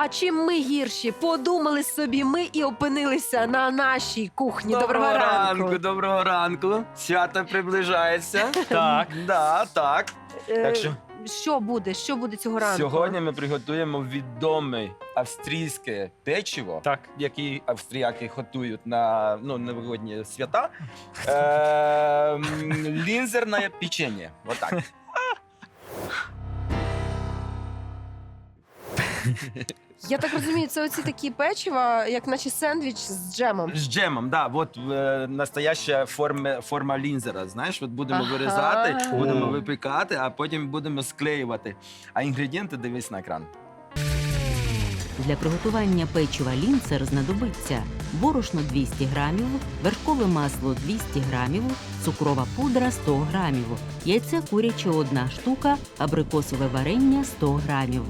А чим ми гірші? Подумали собі ми і опинилися на нашій кухні. Доброго ранку. Доброго ранку. Свято приближається. Так. Да, так. Так що Що буде? Що буде цього ранку? сьогодні ми приготуємо відоме австрійське печиво, Так. які австріяки готують на новогодні свята. Лінзерне печення. Отак. Я так розумію, це оці такі печива, як наче сендвіч з джемом. З джемом, да, от настояща форма лінзера. Знаєш, от будемо Ага. вирізати, будемо О. випікати, а потім будемо склеювати. А інгредієнти дивись на екран. Для приготування печива лінцер знадобиться борошно 200 грамів, вершкове масло 200 грамів, цукрова пудра 100 грамів, яйце куряче 1 штука, абрикосове варення 100 грамів.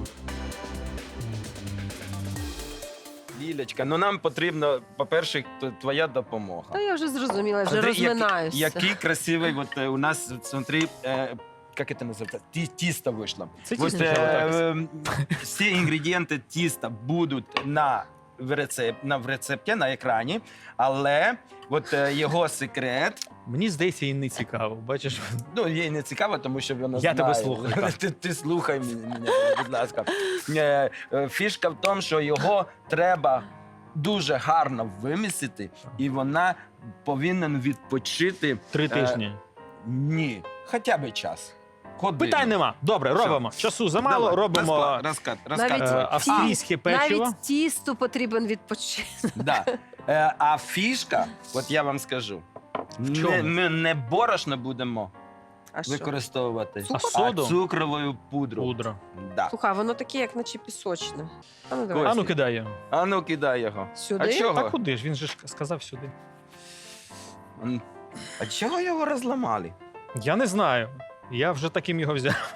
Лілечка, нам потрібно, по-перше, твоя допомога. Та я вже зрозуміла, вже Смотри, розминаюся. Який красивий, у нас, смотри, як це називається? Тісто вийшло. Це От, тісто вже всі інгредієнти тіста будуть в рецепті, на екрані, але його секрет, Мені здається, їй не цікаво. Бачиш, їй не цікаво, тому що вона Я знає. тебе слухаю, так. Ти слухай мене, будь ласка. Фішка в тому, що його треба дуже гарно вимісити, і вона повинна відпочити 3 тижні. Ні, хоча б час. Годину. Питань нема. Добре, Все. робимо. Часу замало, Давай, робимо розказуй. австрійське печиво. Навіть тісту потрібен відпочинок. Да. А фішка, от я вам скажу, чому? ми не борошно будемо А що? використовувати, Цукор? а Соду? цукровою пудру. Пудра. Да. Слухай, воно таке, як наче пісочне. А ну, давай. Ось. А ну кидай його. А ну кидай його. Сюди? А чого? Та куди ж? Він же ж сказав сюди. А чого його розламали? Я не знаю. Я вже таким його взяв.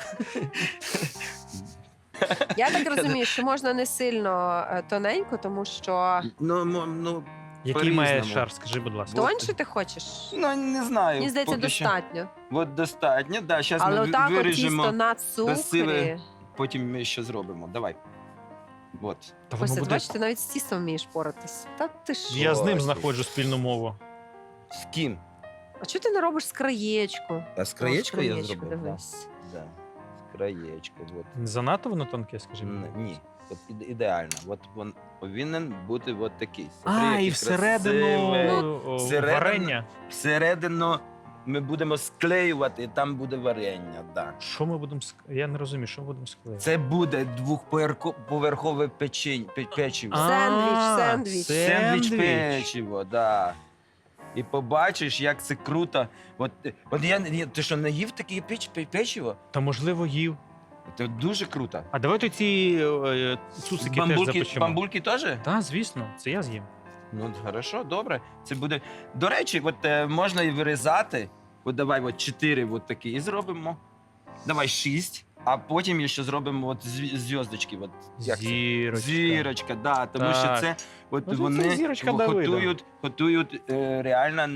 Я так розумію, що можна не сильно тоненько, тому що Який має По-різному. шар, скажи, будь ласка. тоньше ти хочеш. не знаю. Мені здається, поки що. достатньо. От достатньо, да, зараз Але ми отак от виріжемо, тісто на цукрі. красиве. Потім ми ще зробимо. Давай. От. Та воно Ось, буде... бачите, навіть з тістом вмієш поратись. Та ти ж. Я з ним Ось. знаходжу спільну мову. З ким? А чого ти не робиш з краєчку? А з О, краєчкою я краєчку, зробив? дивись. Да. З краєчкою. От. Занадто воно тонке, скажи мені. Ні. От ідеально. От він повинен бути от такий. А, Смотри, і який всередину красивий. Всередину- варення. Всередину ми будемо склеювати, і там буде варення. Да. Що ми будемо Я не розумію, що ми будемо склеювати. Це буде двохповерхове печиво. Сендвіч. Сендвіч печиво, да. І побачиш, як це круто. От ти що, не їв таке печиво? Та можливо їв. Це дуже круто. А давайте ці цуцики теж запечемо. Бамбульки теж? Так, звісно, це я з'їм. Ну, хорошо, добре. Це буде. До речі, можна і вирізати. От давай 4 такі і зробимо. Давай 6, а потім ще зробимо зв'язочки. Зірочка. Зірочка, да, тому Так. що це Ну, це вони зірочка Давида. готують реально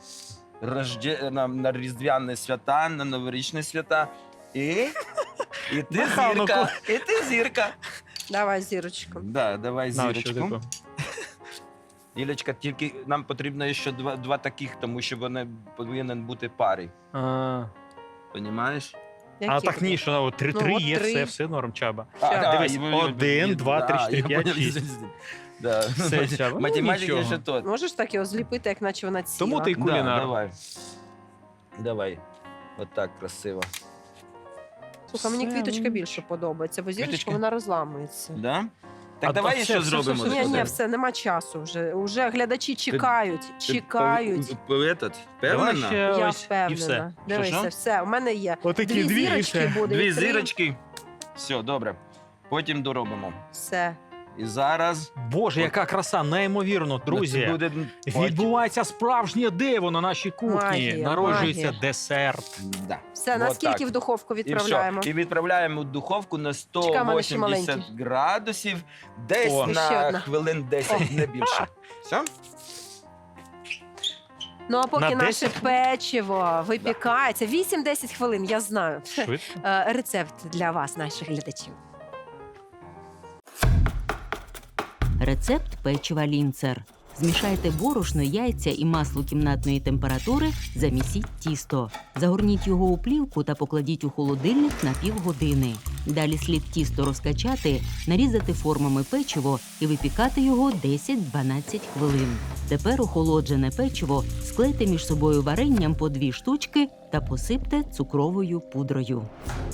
на різдвяні свята, на новорічні свята. І ти На Хануку. зірка. І ти зірка. Давай зірочку. Да, давай На, що зірочку. таке? Лілечка, тільки нам потрібно ще два таких, тому що вони повинен бути парі. А Понімаєш? Які так ні, що 3-3 Ну, от є, 3. все норм, Чаба. Дивись, 1, 2, 3, 4, 5, 6. Да. Все, Чаба. Ну, Математика нічого. ще то. Можеш так його зліпити, як наче вона ціла. Тому ти й Да, кулінар. давай. Давай. Отак красиво. Слухай, мені Все, квіточка ну, більше подобається, бо зірочка Квіточка? вона розламується. Да? Так А давай то ще все, зробимо. все, Ні, все. ні, все, нема часу вже. Уже глядачі чекають, Ти чекають. Давай Давай ще Я ось і все. впевнена. Дивися, Що? все, у мене є. Отакі Дві дві і зірочки все. буде. Дві і три. зірочки. Все, добре. Потім доробимо. Все. І зараз. Боже, яка краса, неймовірно, Це друзі. буде Відбувається справжнє диво на нашій кухні. Магія, Народжується магія. десерт. Да. Все, Вот наскільки так. в духовку І відправляємо? все. І відправляємо в духовку на Чекай, у мене ще 180 маленький. градусів, десь О. Ще на одна. хвилин 10, не більше. Все? Ну а поки На наше 10? печиво випікається, 8-10 хвилин, я знаю. Швидко. Рецепт для вас, наших глядачів. Рецепт печива лінцер. Змішайте борошно, яйця і масло кімнатної температури, замісіть тісто. Загорніть його у плівку та покладіть у холодильник на півгодини. Далі слід тісто розкачати, нарізати формами печиво і випікати його 10-12 хвилин. Тепер охолоджене печиво склейте між собою варенням по 2 штучки та посипте цукровою пудрою.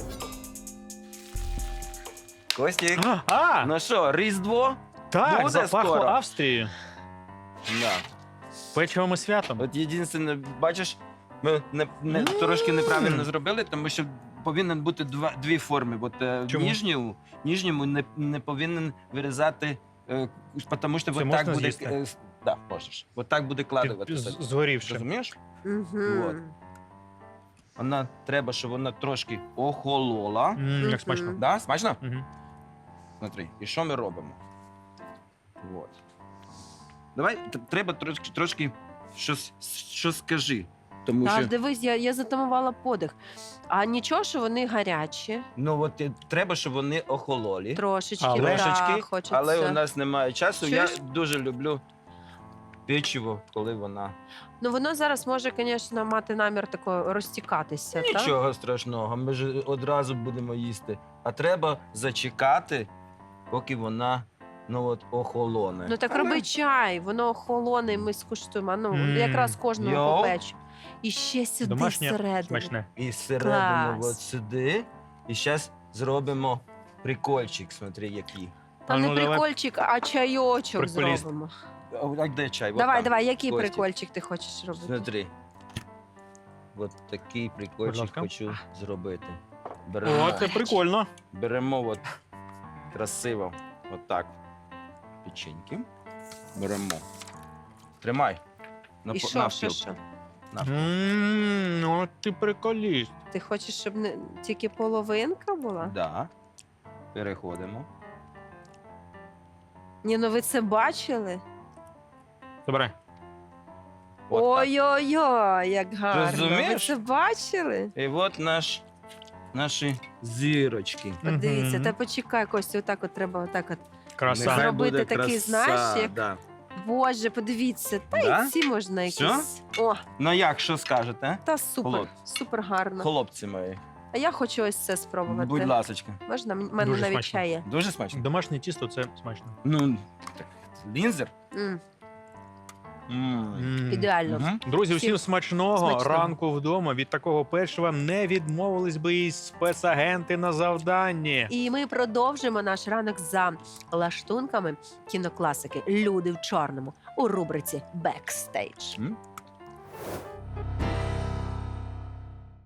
Костік, А, ну що, Різдво? так, буде запахло скоро. Австрією. Да. Печивом і святом. От єдине, бачиш, ми трошки неправильно зробили, тому що повинен бути дві форми. От, Чому? нижньому не повинен вирізати, тому що Це от можна так буде. з'їсти? Да, можеш. От так буде кладувати. Згорівши. Розумієш? Мгм. Вот. Вона треба, щоб вона трошки охолола. Як смачно. Мгм. Да? Смачно? Мгм. Смотри, і що ми робимо? Вот. Давай, треба трошки щось скажи. Тому Та що, ж дивись, я затамувала подих. А нічого, що вони гарячі, ну от треба, щоб вони охололі. трошечки, Але- Трошечки, да, хочеться. але у нас немає часу. Чуєш? Я дуже люблю печиво, коли вона. Ну воно зараз може, звісно, мати намір тако розтікатися. так? Нічого страшного, ми ж одразу будемо їсти. А треба зачекати, поки вона охолоне. Ну так роби чай, воно охолоне, і ми скуштуємо. Ну, Мм. якраз кожного Йоу. попечу. І ще сюди Домашнє всередину. смачне. І всередину Клас. от сюди. І зараз зробимо прикольчик, смотри, який. Та А не ну, давай. прикольчик, а чайочок Приколіст. зробимо. А де чай? Вот Давай, там. давай, який Костік. прикольчик ти хочеш робити? Смотри. От такий Будь прикольчик ласка. хочу зробити. Беремо, О, це прикольно. беремо от красиво. От так. Печеньки. Беремо. Тримай. І що, що? Ну, ти приколіст. Ти хочеш, щоб не тільки половинка була? Да. Переходимо. Ні, ну ви це бачили? Добре. От так. Ой-ой-ой, як гарно. Ви Розумієш? це бачили? І от наші зірочки. Подивіться, Мгм. та почекай, Костя, отак от треба отак от. Краса. Нехай зробити буде такий, краса, знаєш, як- Да. Боже, подивіться, та Да? й ці можна Всьо? якісь. О, Ну як, що скажете? та супер, Хлоп. супер гарно. Хлопці мої. А я хочу ось це спробувати. Будь ласочка. Можна? У мене Дуже навіть смачно. чай є. Дуже смачно. Домашнє тісто це смачно. Ну, так, лінзер. М, М. Ідеально. Мгм. Друзі, Всім усім смачного. смачного. Ранку вдома. Від такого печива не відмовились би і спецагенти на завданні. І ми продовжимо наш ранок за лаштунками кінокласики Люди в чорному у рубриці Бекстейдж. М?